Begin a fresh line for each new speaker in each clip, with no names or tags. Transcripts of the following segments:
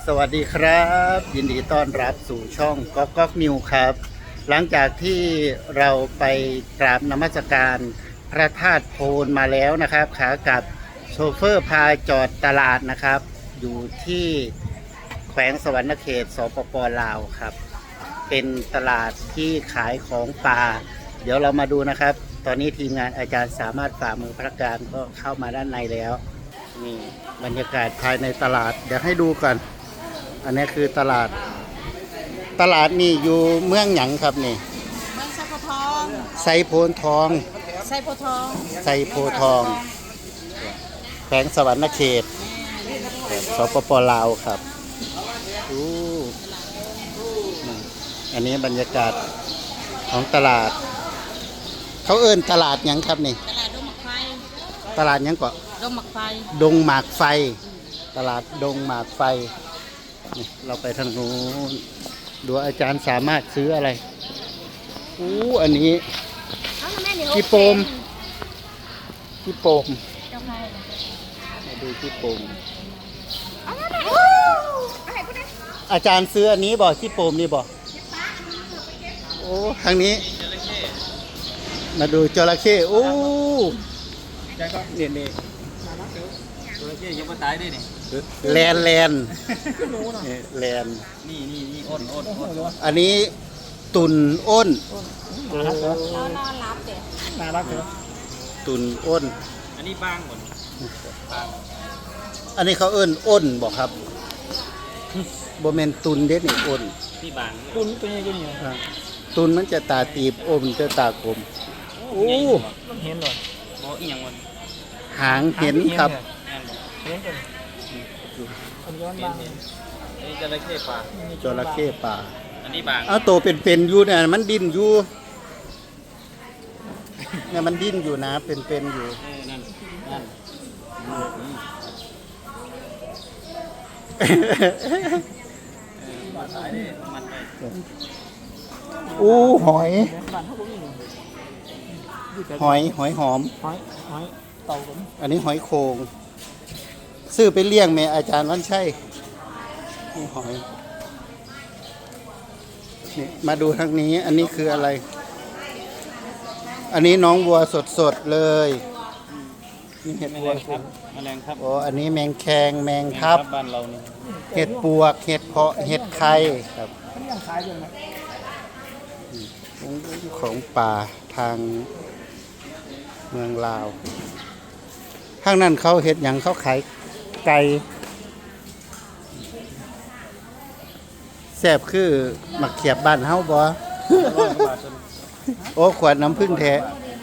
สวัสดีครับยินดีต้อนรับสู่ช่องก๊อกก๊อกนิวครับหลังจากที่เราไปกราบนมัสการพระธาตุโพนมาแล้วนะครับขากลับโชเฟอร์พาจอดตลาดนะครับอยู่ที่แขวงสวรรณเขตสปป.ลาวครับเป็นตลาดที่ขายของป่าเดี๋ยวเรามาดูนะครับตอนนี้ทีมงานอาจารย์สามารถฝ่ามือพระการก็เข้ามาด้านในแล้วนี่บรรยากาศภายในตลาดเดี๋ยวให้ดูกันอันนี้คือตลาดนี่อยู่เมืองหยังครับนี่
เมืองไซโพทอง
ไซโพนทอง
ไซโพทอง
ไซโพทองแขวงสวรรณเขตสปป.ลาวครับอันนี้บรรยากาศของตลาดเขาเอิ้นตลาดหยังครับนี่
ตลาดดงหมากไฟ
ตลาดหยังก็
ดงหมากไฟ
ดงหมากไฟตลาดดงหมากไฟเราไปทางนู้นดูอาจารย์สามารถซื้ออะไรอันนี้พี่โปมมาดูพี่โปมอาจารย์ซื้ออันนี้บ่พี่โปมนี่บ่โอ้ทางนี้มาดูจระเข้นี่
จระเข้ยังไม่ตายด้วยนี่
แลนนี่อันนี้ตุนอ้น
นอนรับเด็ก
น่ารักเลย
ตุนอ้น
อันนี้บางหมด
อันนี้เขาเอิ้นอ้นบอกครับโบเมนตุนเด็ดนี่อ้น
นี่บางตุนตัวนี้ก็นี่
ตุนมันจะตาตีบอ้นจะตากลม
มันเห็นหรอโอ้อีหยังวัน
หางเห็นครับ
เห็นกันอันย้อนบางอันนี้จระเข้ป่าอันนี้บาง
โตเป็นอยู่เนี่ยมันดิ้นอยู่เนี่ยมันดิ้นอยู่นะเป็นอยู่
นั่นมาตายดิมันไป
หอยหอม
เต่า
อันนี้หอยโขงซื้อไปเลี้ยงแม่อาจารย์วันชัยนี่หอยนี่มาดูทางนี้อันนี้คืออะไรอันนี้น้องวัวสดๆเลยนี่เห็ดวัว
ครับแมลงครับ
อันนี้แมงแคงแมงทับ
บ้านเรานี่
เห็ดปวกเห็ดเพาะเห็ดไข่ครับของป่าทางเมืองลาวข้างนั้นเขาเห็ดอย่างเขาขายไก่แซ่บคือหมักเขียบบ้านเฮาบ่ขวดน้ำผึ้งแท้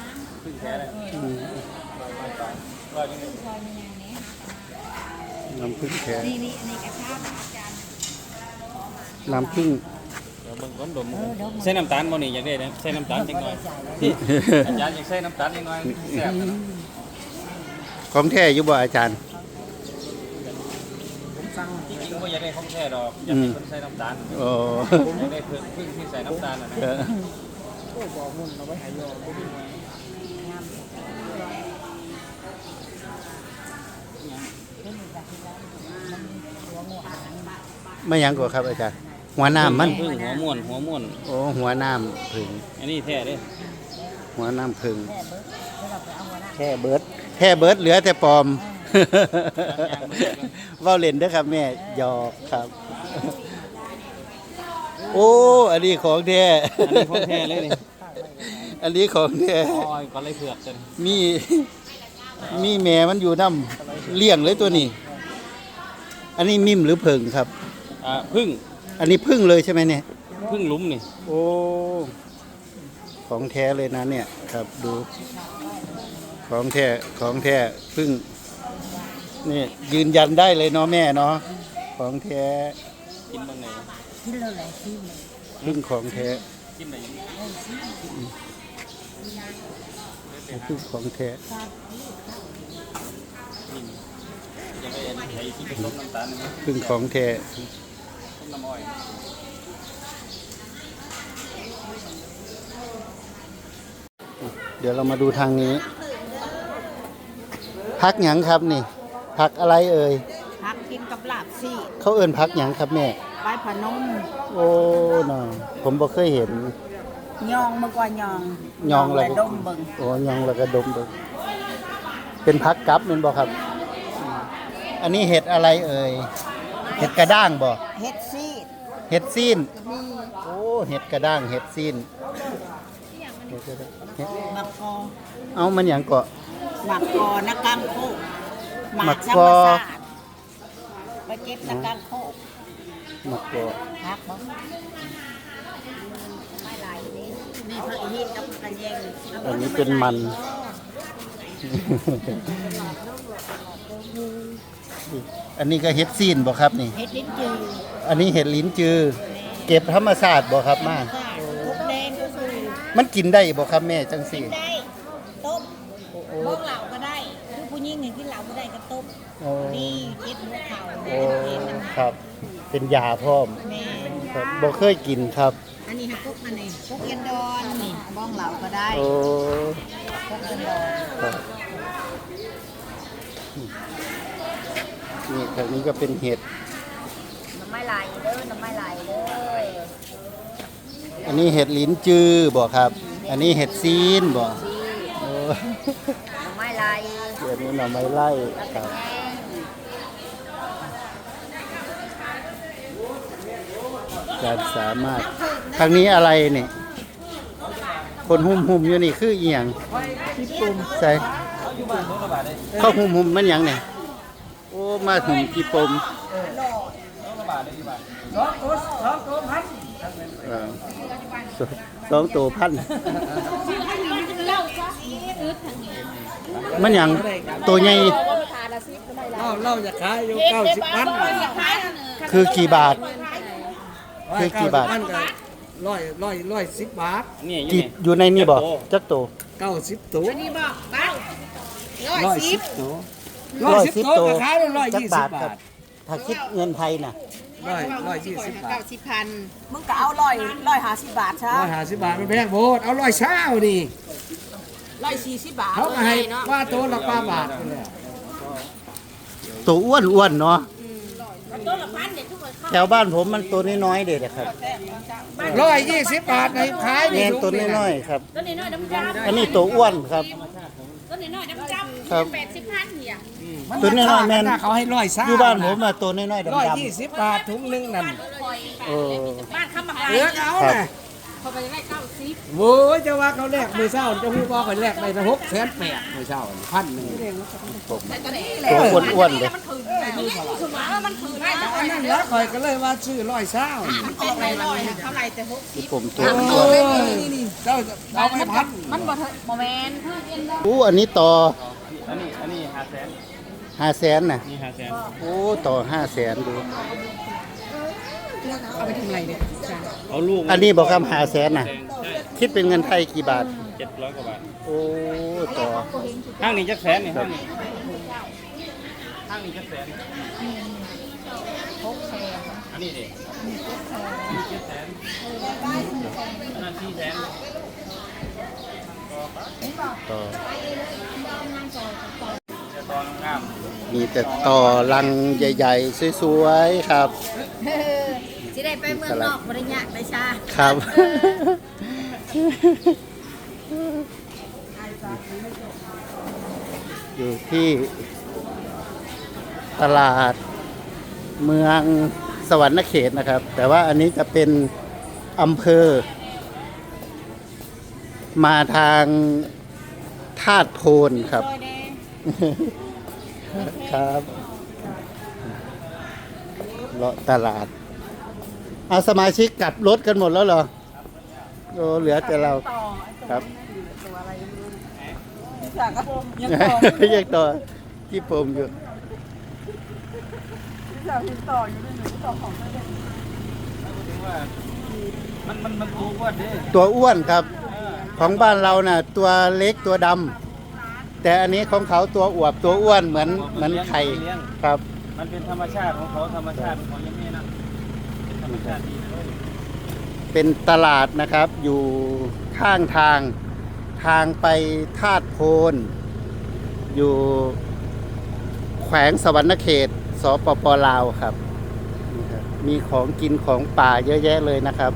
น้ำผึ้งแท้น้ำผึ้ง
ใส่น้ำตาลบ่นี่อยากได้ใส่น้ำตาลจังหน่อยอาจารย์อยากใส่น้ำตาลจังหน่อยแซ่บ
ของแท้อยู่บ่อาจารย์
จริงๆว่าอยากได้ของแท้ดอกอยากให้คนใส่น้ำตาลอยากได้พึ่งที่ใส่น้ำตาลนะบอกมุ่นเราไว้หายยอ
ไม่ยังกว่าครับอาจารย์หัวน้ำมัน
พึ่งหัวม่วน
หัวน้ำผึ่ง
อันนี้แท้เด้
หัวน้ำผึ่งแค่เบิร์ดเหลือแต่ปลอมว่าเล่นเด้อครับแม่หยอกครับอันนี้ของแท้
เลยนี่
อันนี้ของแท้
ก็เลยเผือกกัน
มีแม่มันอยู่น้ำเลี้ยงเลยตัวนี้อันนี้มิ่มหรือผึ่งครับ
พึ่ง
อันนี้พึ่งเลยใช่ไหมเนี่ย
พึ่งลุ้มนี่
ของแท้เลยนะเนี่ยครับดูของแท้พึ่งนี่ยืนยันได้เลยเนาะแม่เนาะของแท้
กินบ้างไหน
พึ่งของแท้
กินไหน
พึ่งของแท้พึ่งของแท้เดี๋ยวเรามาดูทางนี้พักหยังครับนี่พักอะไรเอ่ย
พักกินกับลาบซี่
เขาเอิ้นพักหยังครับแม่
ใบพะนม
โอ้น่ะผมบ่เคยเห็น
ยองเมื่อก่อนยอง
ยองแล้ว
และดมเบิ่ง
โอ้ยองแล้วก็ดมดูเป็นพักกับแม่นบ่ครับ อันนี้เห็ดอะไรเอ่ยเห็ดกระด้างบ่
เฮ็ดซีด
เห็ดซีนโอ้เห็ดกระด้างเห็ดซีนเห็ดกระด้างเห็ด
หมักกอ
เอามันหยังเกาะ
หมักกอนักกังโคก
หมัก
ธร
ก
ร
อ
มชาติไปเก็บนักกังโคก
มะกอก
พักบ่ไม่หลายนี่นี่ผักอีหินกับผักกระเยง
อันนี้เป็นมัน อันนี้ก็เห็ดซีนบ่ครับนี่
เฮ็ดลิ้นจือ
อันนี้เห็ดลิ้นจือ เก็บธรรมชาติบ่ครับมา
ทุกแดงก็คือ
มันกินได้บ่ครับแม่จังซี่
ได้ต้มบ้องเหล่าก็ได้คือผู้หญิงเนี่ยกินเหล่าก็ได้ก็ต้ม
โอ้
นี่เฮ็ดหัวเข่า
โอ้
เฮ็ดน้ำ
ครับ เป็นยาพร้อม
แม่
ครับบ่เคยกินครับ
อันนี้ฮะกุ๊กอันนี้กุ๊กเอ็นดอนนี่บ้องเหล่าก็ได้
โอ้
กุ๊กเอ็นดอน
ครับนี่ทางนี้ก็เป็นเห็ด
น้ำไม้ไหลเด้อน้ำไม้ไหลเด้อ
อันนี้เห็ดลิ้นจือบ่ครับ อันนี้เห็ดซีนบ่โอ้
น้ำไม้ไหล
เดี๋ยวนี้หน่อไม้ไล่ครับ การสามารถทางนี้อะไรนี่ คนหุ่มๆอยู่นี่คือเอียงใส่เข้าหุ่มๆมันหยังเนี่ยโอ้มาหุ่มกี่ปมเออสองตัวพันมันหยังตัวใหญ่
เราจะขายอยู่90,000
คือกี่บาท คือกี่บาท
90,000ก็110 บาท
นี่
กี่อยู่ในนี่บ่จักตัว
90ตัว
นี่บอกบ้าง
110ตัว
110
110ตัวก็ขายอยู่
จัก
120
บาท
บา
ครับ
ท
ถ้าคิดเงินไทยน่ะ
120 บาท
มึงก็เอา150 บาทใช่
150 บาทมันแพงโพดเอา120นี่
140 บาท
เขาก็ให้ว่าตัวละ8บาทไปแล้ว
ตัวอ้วนๆเนาะ
ตัวละพันเด็ดทุกคน
แถวบ้านผมมันตัวน้อยๆเด็ดครับ
120 บาทในขาย
แมนตัวน้อยๆครับ
ตัวน้อยๆน้ำจ้ำ
อันนี้ตัวอ้วนครับ
ตัวน้อยๆน้ำจ้ำ
ครับ
80 พันเนี่ย
ตัวน้อยๆแม่น
เขาให้120
อยู่บ้านผมอะตัวน้อยๆดำ
120 บาทถุงหนึงนั่น
ๆเออ
บ้านคำบัก
เหลือก็เอา
ครับ
น่ะ
เขาไปได้90
โว้ยจะว่าเขาแลกมือเศร้าจะพูดว่าเขาแลกได้ละ600,000มือเศร้า1,000
แต่ตอนนี้
ตัวอ้วนๆเลย
มันถือคือว่ามันถือได้แต่
อันนั้นแล้วคอยก็เลยว่าชื่อ120
ออกไปลอยเท่าไหร่แต่
ที่ผมตัว
โอ้
อ้วน
ยเจ้าเอาไปพัน
มันบ่เถอะบ่แม่นคือเอ็นดอ
อู้อันนี้ต่อ
อันนี้500,000
500,000น่ะ
นี่500,000
โอ้ต่อ500,000ดู
เอาไปทำอะไรเนี่ย
เอาลูก
อันนี้บอกคำ500,000น่ะ
ใช่
คิดเป็นเงินไทยกี่บาท
700กว่าบาท
โอ้ต่อ
ห้างนี้จักแสนนี่ห้างนี้จักแสนอันนี้ดิ700,000อันนั้น400,000
ต่อ
จะตอนงาม
มีแต่ต่อลังใหญ่ๆสวยๆครับ
สิได้ไปเมืองนอกบ่ได้ยากได้ชา
ครับ อยู่ที่ตลาดเมืองสวรรณเขตนะครับ แต่ว่าอันนี้จะเป็นอำเภอ มาทางธาตุโพนครับ ครับเลาะตลาดเอาสมาชิกกลับรถกันหมดแล้วเหรอโอ้เหลือแต่เราครับยังต่อที่ผมอยู่
มันถูกกว่าดิ
ตัวอ้วนครับ ของบ้านเราน่ะ ตัวเล็กตัวดำแต่อันนี้ของเขาตัวอวบตัวอ้วนเหมือนไข่ครับ
มันเป็นธรรมชาติของเขาธรรมชาติของยังไงนะเป็นธรรมชาติดีเลย
เป็นตลาดนะครับ อยู่ข้างทางไปธาตุโพน อยู่แขวงสวรรณเขตสปปลาวครับนี่ครับมีของกินของป่าเยอะแยะเลยนะครับ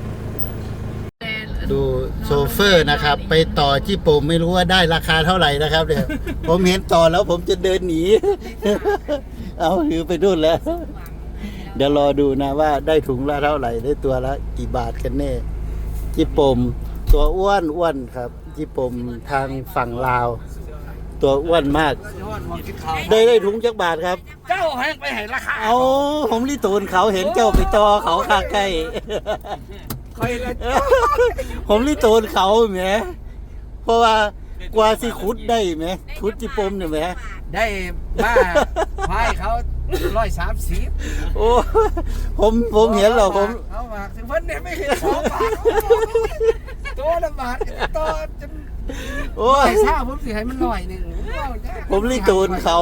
ดูโซเฟอร์นะครับ ไปต่อที่ผมไม่รู้ว่าได้ราคาเท่าไหร่นะครับเดี๋ยว ผมเห็นต่อแล้วผมจะเดินหนี เอาถือไปดูนแล้ว เดี๋ยวรอดูนะว่าได้ถุงละเท่าไหร่ได้ตัวละกี่บาทกันแน่จิปมตัวอ้วนครับจิปมทางฝั่งลาว ตัวอ้วนมาก ได้ถุงจักบาทครับ
เจ้าให้ไปให้ราคา
เอาผมรีตูนเขาเห็นเจ้าไปต่อเขาคาใกล้
คอยละ
ผมรีตูนเขาแหมเพราะว่ากว่าสิขุดได้ไหมขุดจิปมเนี่ยแหม
ได้มาพายเขา130
โอ้ผมเห็นแล้วผม
เขามาถึงเพิ่นเนี่ยไม่เห็น2 บาทตัวละบาทต่อจน
โอ้ย
ใส่ซ่าผมสิให้มันหน่อยหนึง
ผมรีตูนเขา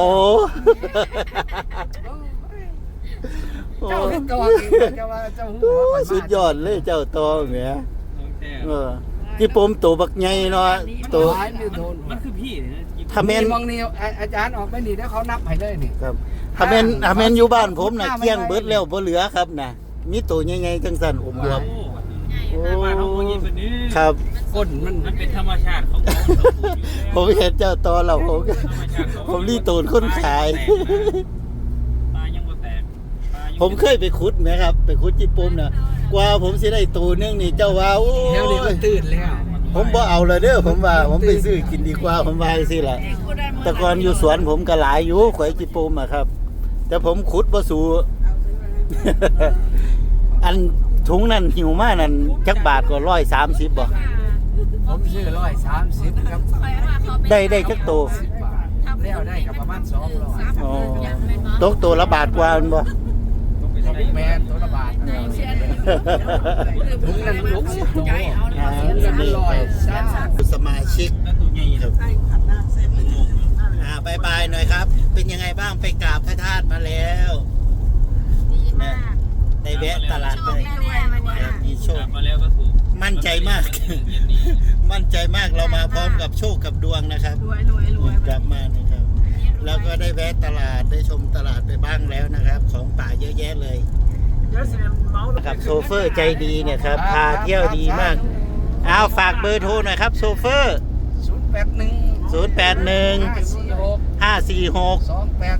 โอ้
เจ้าเห็นตัวเองเจ้าว่าเจ้าหู
โอ้
ว่าข่อย
สุดยอดเลยเจ้าตอแหม
ของแท้
จิปมตัวบักใหญ่เนาะตัว
หลายไม่โดน
มันคือพี่นะ
ถ้าแม่น
มองนี่อาจารย์ออกไปนี่แล้วเขานับให้เลยนี่
ครับถ้าแม่นอยู่บ้านผมน่ะเกลี้ยงเบิดแล้วบ่เหลือครับน่ะมีตัวใหญ่ๆจังซั่นผมรวม
โอ้บ้านเขาคนนี้เป็นนี้
ครับ
ก้นมัน
มันเป็นธรรมชาติของเขา
ผมเห็นเจ้าตอเราผมรีตูนคนขาย
ปลายังบ่แตก
ผมเคยไปขุดไหมครับ ไปขุดจิปมน่ะกว่าผมสิได้ตัวนึงนี่เจ้าว่าโอ้
เดี๋ยวนี้มัน
ย
ตื่นแล้ว
ผมบ่เอาเลยเด้อผมว่าผมไปซื้อกินดีกว่าผมว่าจังซี่ล่ะแต่ก่อนอยู่สวนผมก็หลายอยู่ข่อยจิปมอะครับ แต่ผมขุดบ่สู่ อันถุงนั้นหิวมากนั่นจักบาทก็130บ่
ผมซื้อ130ครับ
ได้จักโต
10 บาทแล้วได้กับประมาณ200
อ๋อตกตัวละบาทกว่าแม่นบ่
แมนตัวละบาทถุงนั้น60ตัว
อ่า
ถุงนั้นมัน100
สมาชิก
แล้วตัวใหญ่ครับ
บายบายหน่อยครับ เป็นยังไงบ้างไปกราบพระธาตุมาแล้ว
ดีมาก
ได้แวะตลาด
โช
เล
ค
ย
แน่ๆวันเนี้ย
มีโชค
มาแล้วก็ถูก
มั่นใจมาก มั่นใจมากเรามาพร้อมกับโชคกับดวงนะครับกลับมานะครับ แล้วก็ได้แวะตลาดได้ชมตลาดไปบ้างแล้วนะครับ ของป่าเยอะแยะเลยนะครับโซเฟอร์ใจดีเนี่ยครับพาเที่ยวดีมากเอาฝากเบอร์โทรหน่อยครับโซเฟอร์081 546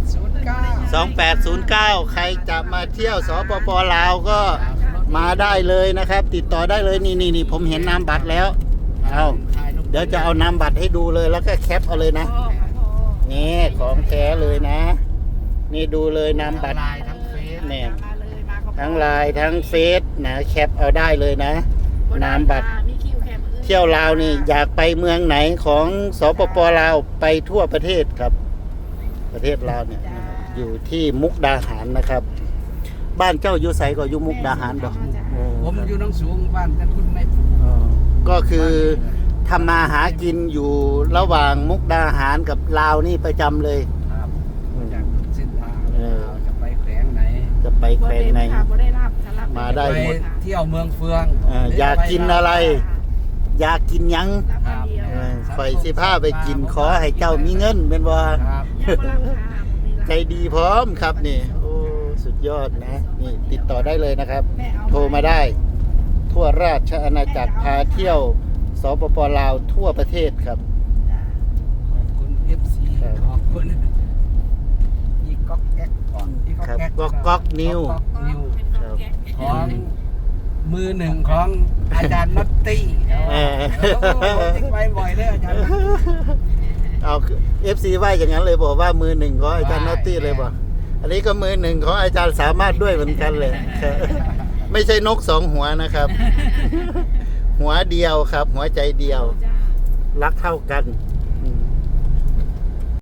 2809 ใครจะมาเที่ยวสปปลาวก็มาได้เลยนะครับ ติดต่อได้เลยนี่ผมเห็นนามบัตรแล้วเอาเดี๋ยวจะเอานามบัตรให้ดูเลยแล้วก็แคปเอาเลยนะนี่ของแท้เลยนะ นี่ดูเลยนามบัตร
ลายทั้งเฟซ
เนี่ยทั้งไลน์ทั้งเฟซนะแคปเอาได้เลยนะนามบัตรเที่ยวลาวนี่อยากไปเมืองไหนของสปปลาวไปทั่วประเทศครับ ประเทศลาวเนี่ยนะครับอยู่ที่มุกดาหารนะครับ บ้านเจ้าอยู่ไสก็อยู่มุกดาหารบ่
ผมอยู่น้องสูงบ้านท่านคุณไม่ถูก
อ๋อก็คือทำมาหากินอยู่ระหว่างมุกดาหารกับลาวนี่ประจำเลย
ครับจากเส้นทาง
เออ
จะไปแขวงไหน
จะไปแขวงไหน มาได้
ไป
หมด
เที่ยวเมืองเฟือง
อยากกินอะไร อยากกินหยัง
ครับ
ข่อยสิพาไปกินขอให้เจ้ามีเงินเป็นว่า
ครับ
ใจดีพร้อมครับนี่โอ้สุดยอดนะนี่ติดต่อได้เลยนะครับ โทรมาได้ ทั่วราชอาณาจักรพาเที่ยวสปปลาวทั่วประเทศครับ
ขอบคุณ FC
ครับ
ขอบคุณอีก๊อกแก๊กก่อนอี
ครับ
แก๊ก
ก๊อกนิว
ก๊อกนิว
ครับ
ของมือหนึ่งของอาจารย์น็อตตี้
เออ
ผมทิ้งไว้บ่อยเลยอาจารย์
เอา FC ว่าอย่างนั้นเลยบอกว่ามือหนึ่งของอาจารย์นอตตี้เลยบอกอันนี้ก็มือหนึ่งของอาจารย์สามารถด้วยเหมือนกันเลยครับไม่ใช่นกสองหัวนะครับ หัวเดียวครับ หัวใจเดียว รักเท่ากัน